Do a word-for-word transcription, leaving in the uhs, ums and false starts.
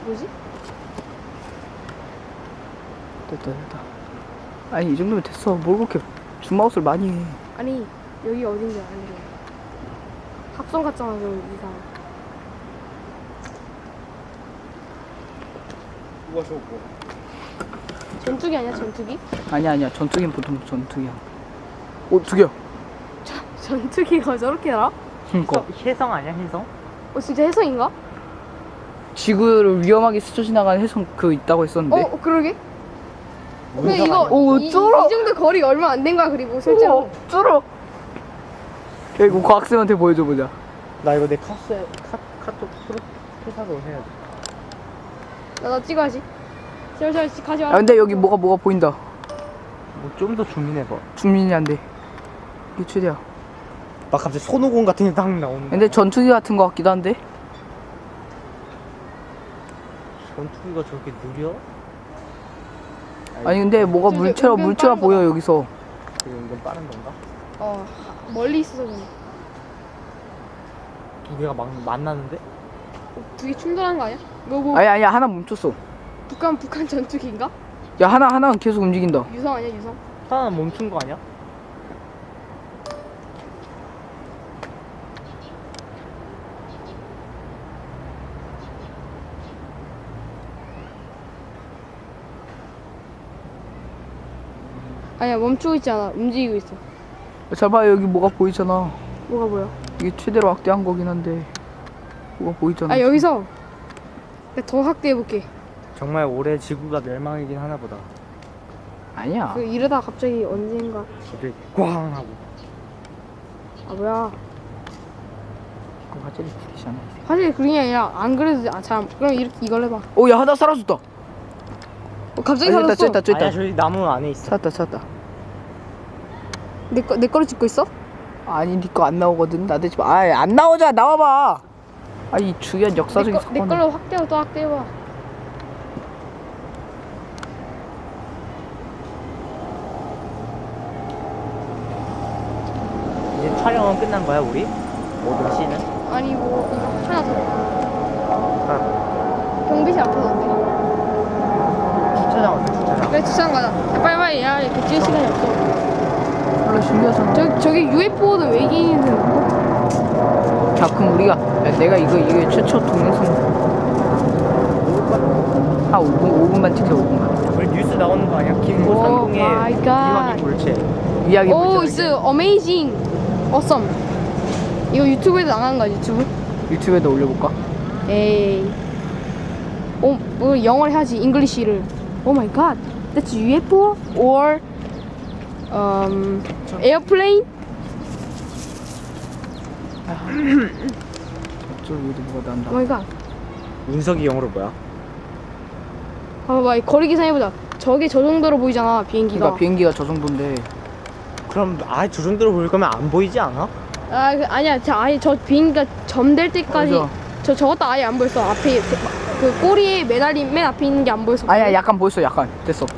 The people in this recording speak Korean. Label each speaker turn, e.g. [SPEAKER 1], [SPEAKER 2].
[SPEAKER 1] 뭐지?
[SPEAKER 2] 됐다 됐다. 아니 이 정도면 됐어. 뭘 그렇게 줌아웃을 많이 해.
[SPEAKER 1] 아니 여기 어딘지 알려줘. 합성 같잖아 저 이상.
[SPEAKER 3] 누가 저거 뭐?
[SPEAKER 1] 전투기 아니야 전투기?
[SPEAKER 2] 아니야 아니야. 전투기는 보통 전투기야. 오 두 개야.
[SPEAKER 1] 전투기가 저렇게 날아?
[SPEAKER 2] 그니까
[SPEAKER 3] 혜성 아니야 혜성?
[SPEAKER 1] 어 진짜 해성인가?
[SPEAKER 2] 지구를 위험하게 스쳐 지나가는 해성 그 있다고 했었는데.
[SPEAKER 1] 어 그러게? 근데
[SPEAKER 3] 운석
[SPEAKER 1] 이거
[SPEAKER 3] 아니야?
[SPEAKER 2] 오,
[SPEAKER 1] 이, 이
[SPEAKER 2] 쩔어.
[SPEAKER 1] 정도 거리가 얼마 안 된 거야 그리고 실제로.
[SPEAKER 2] 쩔어. 야 이거 과학생한테 보여줘 보자.
[SPEAKER 3] 나 이거 내 카스 카 카톡 프로 회사로 해야 돼.
[SPEAKER 1] 나, 나 찍어야지. 제발 제발 가지 마.
[SPEAKER 2] 야 근데 여기 뭐가 뭐가 보인다.
[SPEAKER 3] 뭐 좀 더 주민해 봐.
[SPEAKER 2] 주민이 안 돼. 이게 최대야.
[SPEAKER 3] 나 갑자기 손오공 같은 게 딱 나오는.
[SPEAKER 2] 근데 전투기 같은 거 같기도 한데.
[SPEAKER 3] 전투기가 저렇게 느려?
[SPEAKER 2] 아니 근데 뭐가
[SPEAKER 1] 저기
[SPEAKER 2] 물체가
[SPEAKER 1] 은근
[SPEAKER 2] 물체가
[SPEAKER 1] 빠른
[SPEAKER 2] 보여
[SPEAKER 1] 거다.
[SPEAKER 2] 여기서.
[SPEAKER 3] 이거 은근 빠른 건가?
[SPEAKER 1] 어 멀리 있어서 그래.
[SPEAKER 3] 두 개가 막 만나는데?
[SPEAKER 1] 두 개 충돌한 거 아니야? 뭐 뭐
[SPEAKER 2] 아니 아니야 하나 멈췄어.
[SPEAKER 1] 북한 북한 전투기인가?
[SPEAKER 2] 야 하나 하나는 계속 움직인다.
[SPEAKER 1] 유성 아니야 유성?
[SPEAKER 3] 하나는 멈춘 거 아니야?
[SPEAKER 1] 아니야 멈추고 있지 않아. 움직이고 있어.
[SPEAKER 2] 잘 봐 여기 뭐가 보이잖아.
[SPEAKER 1] 뭐가 뭐야?
[SPEAKER 2] 이게 최대로 확대한 거긴 한데 뭐가 보이잖아.
[SPEAKER 1] 아 여기서 내가 더 확대해 볼게.
[SPEAKER 3] 정말 올해 지구가 멸망이긴 하나 보다.
[SPEAKER 2] 아니야.
[SPEAKER 1] 그 이러다 갑자기 언젠가
[SPEAKER 3] 이렇게 꽝 하고.
[SPEAKER 1] 아 뭐야?
[SPEAKER 2] 그 화질이 부리잖아.
[SPEAKER 1] 사실 그게 아니라 안 그래도 아 참 그럼 이렇게 이걸 해봐.
[SPEAKER 2] 오야 하나 사라졌다.
[SPEAKER 1] 어, 갑자기
[SPEAKER 2] 아,
[SPEAKER 1] 살았어.
[SPEAKER 2] 쨌다 쨌다
[SPEAKER 3] 아니야
[SPEAKER 2] 쨌다.
[SPEAKER 3] 저기 나무 안에 있어.
[SPEAKER 2] 찾았다 찾았다.
[SPEAKER 1] 내거 내 거를 찍고 있어?
[SPEAKER 2] 아니 니 거 안 나오거든. 나대지 마. 아이 안 나오자 나와봐. 아이 중요한 역사적인
[SPEAKER 1] 내, 거, 내
[SPEAKER 2] 사건.
[SPEAKER 1] 걸로 확대하고 또 확대해봐.
[SPEAKER 3] 이제 촬영은 끝난 거야 우리? 모든 씬은?
[SPEAKER 1] 아니 뭐 이거 하나 더.
[SPEAKER 3] 아,
[SPEAKER 1] 경비실 앞에서 안 돼.
[SPEAKER 3] 주차장 어때 주차장?
[SPEAKER 1] 그래 주차장 가자. 야, 빨리 빨리 야 이렇게 찍을 시간이 없어.
[SPEAKER 2] 원래 신기하잖아.
[SPEAKER 1] 저 저기 유에프오는 외계인은
[SPEAKER 2] 자 그럼 우리가 야, 내가 이거 이게 최초 동영상 한 오 분 오 분만 찍자 오 분만.
[SPEAKER 3] 우리 뉴스 나오는 거 아니야? 김모
[SPEAKER 1] 오
[SPEAKER 3] 상공의
[SPEAKER 1] 마이 갓.
[SPEAKER 3] 이완이 물체.
[SPEAKER 2] 이야기
[SPEAKER 1] 오
[SPEAKER 2] 보자.
[SPEAKER 1] 이스 어메이징 어썸. 이거 유튜브에도 나가는 거야 유튜브?
[SPEAKER 2] 유튜브에다 올려볼까?
[SPEAKER 1] 에이. 오, 뭐 영어를 해야지 잉글리시를. 오 마이 갓. That's 유에프오 or um airplane?
[SPEAKER 2] 저쪽에도 뭐가 난다.
[SPEAKER 1] 오 마이 갓.
[SPEAKER 3] 운석이 영어로 뭐야?
[SPEAKER 1] 봐봐 이 거리 계산해보자. 저게 저 정도로 보이잖아 비행기가.
[SPEAKER 2] 그러니까 비행기가 저 정도인데.
[SPEAKER 3] 그럼 아예 저 정도로 보일 거면 안 보이지 않아?
[SPEAKER 1] 아 그, 아니야 저 아예 저 비행기가 점될 때까지
[SPEAKER 2] 맞아.
[SPEAKER 1] 저 저것도 아예 안 보였어. 앞에 그, 그 꼬리에 매달린 맨 앞에 있는 게 안 보였어.
[SPEAKER 2] 아니야 약간 보였어 약간 됐어.